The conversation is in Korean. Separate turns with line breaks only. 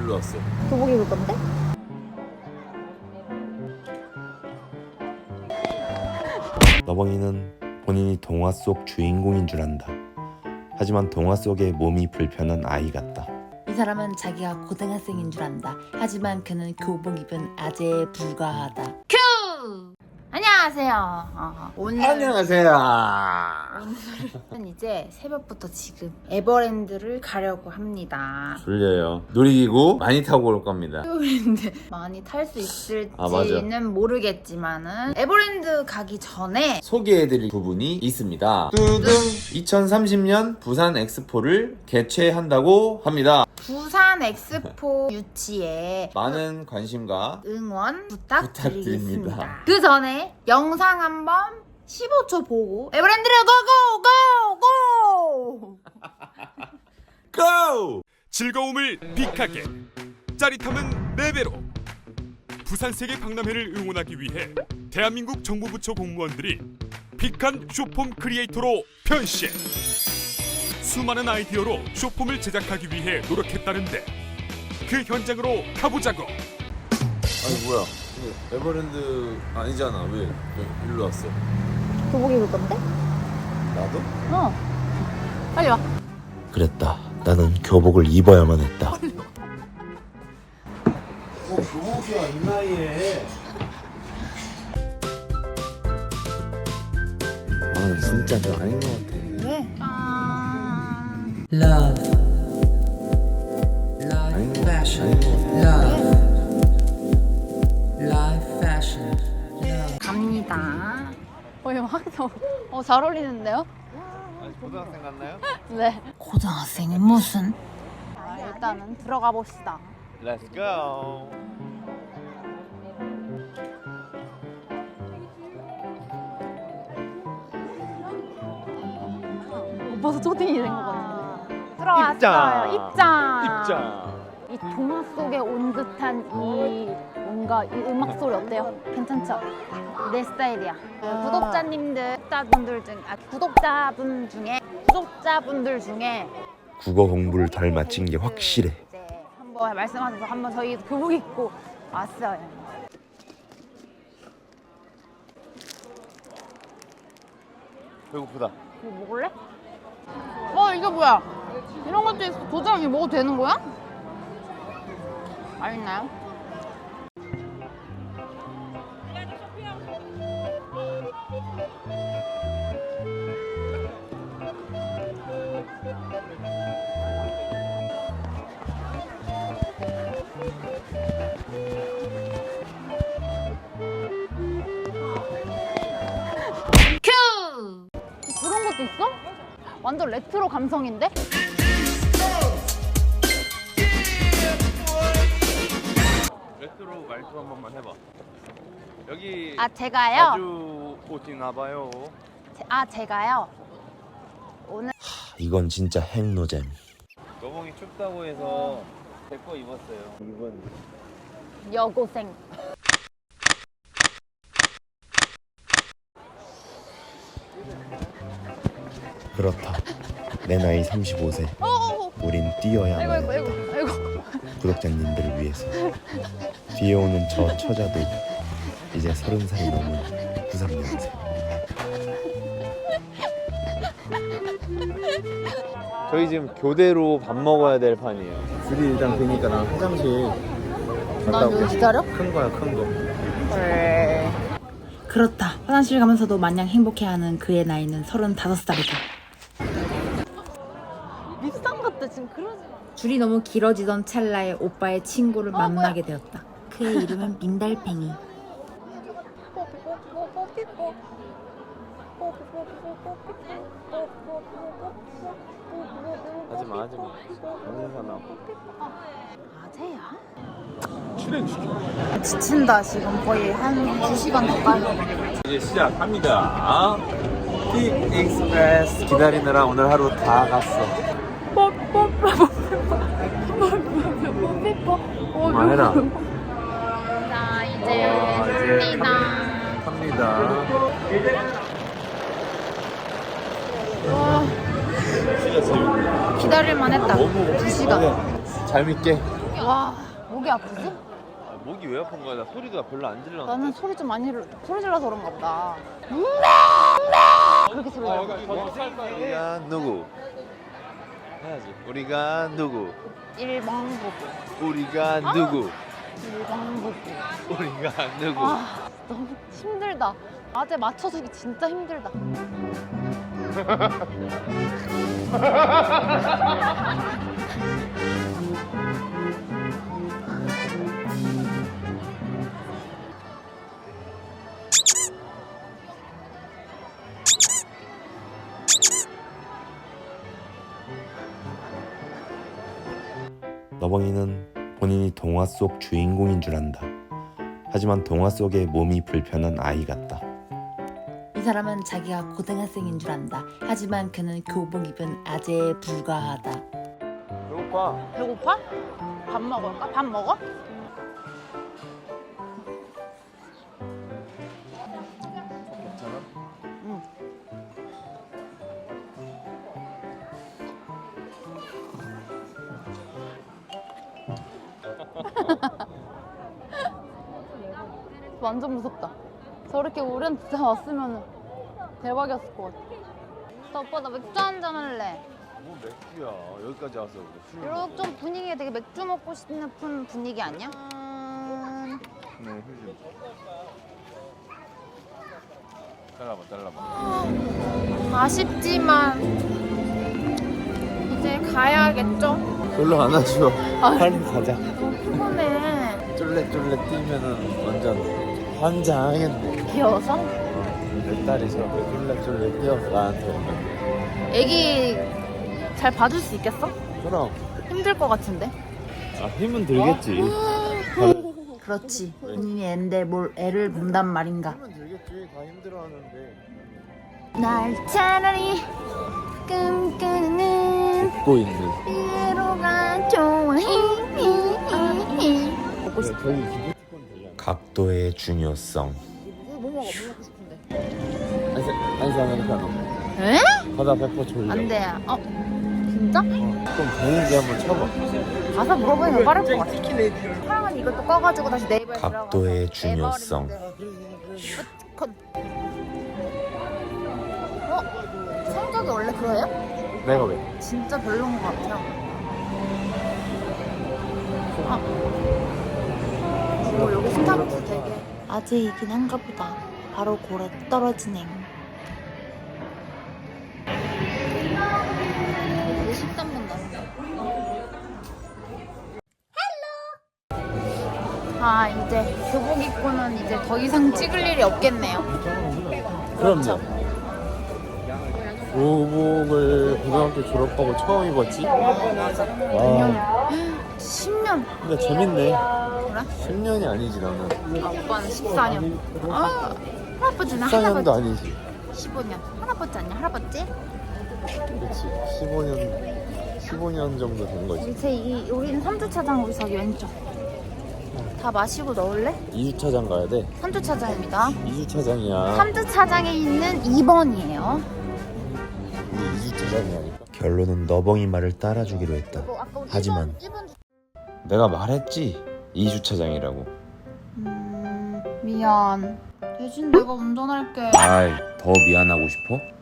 일로 왔어?
교복 입을 건데?
너벙이는 본인이 동화 속 주인공인 줄 안다. 하지만 동화 속의 몸이 불편한 아이 같다.
이 사람은 자기가 고등학생인 줄 안다. 하지만 그는 교복 입은 아재에 불과하다. 큐! 안녕하세요.
안녕하세요.
오늘은 이제 새벽부터 지금 에버랜드를 가려고 합니다.
졸려요. 놀이기구 많이 타고 올 겁니다.
에버랜드 많이 탈 수 있을지는
맞아.
모르겠지만은 에버랜드 가기 전에
소개해드릴 부분이 있습니다. 뚜둥 2030년 부산 엑스포를 개최한다고 합니다.
부산 엑스포 유치에
많은 관심과
응원 부탁드리겠습니다.
부탁드립니다.
그 전에 영상 한번 15초 보고 에버랜드를 고고고고!
고!
즐거움을 빅하게, 짜릿함은 4배로. 부산 세계 박람회를 응원하기 위해 대한민국 정부부처 공무원들이 빅한 쇼폼 크리에이터로 변신. 수많은 아이디어로 쇼폼을 제작하기 위해 노력했다는데 그 현장으로 가보자고.
아니 뭐야? 에버랜드 아니잖아. 왜 일로 왔어?
교복 입을 건데?
나도?
빨리 와.
그랬다. 나는 교복을 입어야만 했다.
교복이야 이 나이에. 아 진짜 저 아닌 것 같아.
왜?
Love,
아닌
life,
것
fashion,
아닌 것 같아.
love, life, fashion, love.
갑니다. 잘 어울리는데요?
고등학생 같나요?
네. 고등학생이 무슨? 일단은 들어가 봅시다.
Let's go.
오빠도 초딩이 된 것 같은데. 들어왔어요. 입장.
입장.
이 동화 속에 온 듯한 이 뭔가 이 음악 소리 어때요? 괜찮죠? 내 스타일이야. 구독자분들 중에
국어 공부를 덜 마친 게 확실해.
이제 한번 말씀하셔서 한번 저희 교복 입고 왔어요.
배고프다.
이거 먹을래? 이게 뭐야? 이런 것도 있어. 도장이 먹어도 되는 거야? 맛있나요? 큐! 그런 것도 있어? 완전 레트로 감성인데?
레트로 말투 한 번만 해봐. 여기
제가요?
자주 오시나 봐요.
제가요? 오늘
이건 진짜 핵노잼.
너봉이 춥다고 해서 제 거 입었어요. 이번
여고생.
그렇다. 내 나이 35세. 우린 뛰어야만
아이고
했다.
아이고.
구독자님들을 위해서. 뒤에 오는 저 처자도 이제 30살이 넘은 93년생.
저희 지금 교대로 밥 먹어야 될 판이에요. 둘이 일단 뵈니까 난 화장실
난 여기 기다려?
큰 거야 큰 거.
그렇다. 화장실 가면서도 마냥 행복해하는 그의 나이는 35살이다. 밉상 같다 지금 그러지 마. 줄이 너무 길어지던 찰나에 오빠의 친구를 만나게 되었다. 그의 이름은 민달팽이.
하지마 하지마. 영사 나와.
아재야?
출연시켜.
지친다 지금 거의 한 2시간 가까이.
이제 시작합니다. 픽 익스프레스 기다리느라 오늘 하루 다 갔어. 말해라.
자 이제 갑니다.
진짜 재밌네.
기다릴만 했다.
너무
2시간.
잘 믿게.
와, 목이 아프지?
목이 왜 아픈 거야? 나 소리가 별로 안 질러.
나는 소리 좀 많이 소리 질러서 그런가 보다. 그렇게 소리 질러.
우리가 누구? 해야지. 우리가 누구?
일방부부.
우리가 누구?
일방부부.
우리가 누구?
아, 너무 힘들다. 아재 맞춰주기 진짜 힘들다.
너벙이는 본인이 동화 속 주인공인 줄 안다. 하지만 동화 속의 몸이 불편한 아이 같다.
이 사람은 자기가 고등학생인 줄 안다. 하지만 그는 교복 입은 아재에 불과하다.
배고파.
배고파? 밥 먹을까? 밥 먹어?
괜찮아?
응. 완전 무섭다. 저렇게 우리한테 진짜 왔으면 대박이었을 것 같아. 나 오빠 나 맥주 한잔 할래.
뭐 맥주야. 여기까지 와서 술
이렇게 좀 분위기가 되게 맥주 먹고 싶은 분위기 아니야?
네, 휴지. 잘라봐.
아쉽지만 이제 가야겠죠?
별로 안 하죠. 빨리 가자.
너무 피곤해.
쫄래쫄래 뛰면은 완전 환장하겠네.
귀여워서?
내 딸이 저렇게 쫄래쫄래 뛰어서 나한테 오면.
애기 잘 봐줄 수 있겠어?
그럼.
힘들 것 같은데?
아, 힘은 들겠지.
그렇지. 본인이 애인데 뭘 애를 본단 말인가.
힘은 들겠지. 다 힘들어하는데.
날 차라리 꿈꾸는
듣고 있는.
위로가 좋아. 먹고 싶어.
저기 기프티콘 되잖아.
각도의 중요성.
뭐 먹고 싶은데?
아이스 아메리카노.
에?
바다 100% 졸려.
안 돼. 진짜?
그럼 되는지 한번 쳐봐.
가서 물어보니까 빠를 것 같아. 사랑은 이것도 꺼가지고 다시 네이버에
각도의
들어가서
중요성.
컷. 성격이 원래 그래요?
내가 왜?
진짜 별로인 것 같아요. 여기 스타벅스 되게 아재이긴 한가 보다. 바로 고래 떨어지네. 이제 13분 남았어. 아, 이제 교복 입고는 이제 더 이상 찍을 일이 없겠네요.
그럼요. 교복을 고등학교 졸업하고 처음 입었지? 와.
10년.
근데 재밌네.
그래?
10년이 아니지 나는.
아, 오빠는 14년. 아, 할아버지는
14년도
할아버지.
아니지.
15년. 할아버지 아니야? 할아버지?
그렇지. 15년 정도 된 거지.
우리는 3주차장 우리 저기 왼쪽. 다 마시고 넣을래?
2주차장 가야 돼.
3주차장입니다.
2주차장이야.
3주차장에 있는 2번이에요.
우리 2주차장이라니까.
결론은 너벙이 말을 따라주기로 했다. 하지만
내가 말했지. 2주차장이라고.
미안. 대신 내가 운전할게.
아이, 더 미안하고 싶어?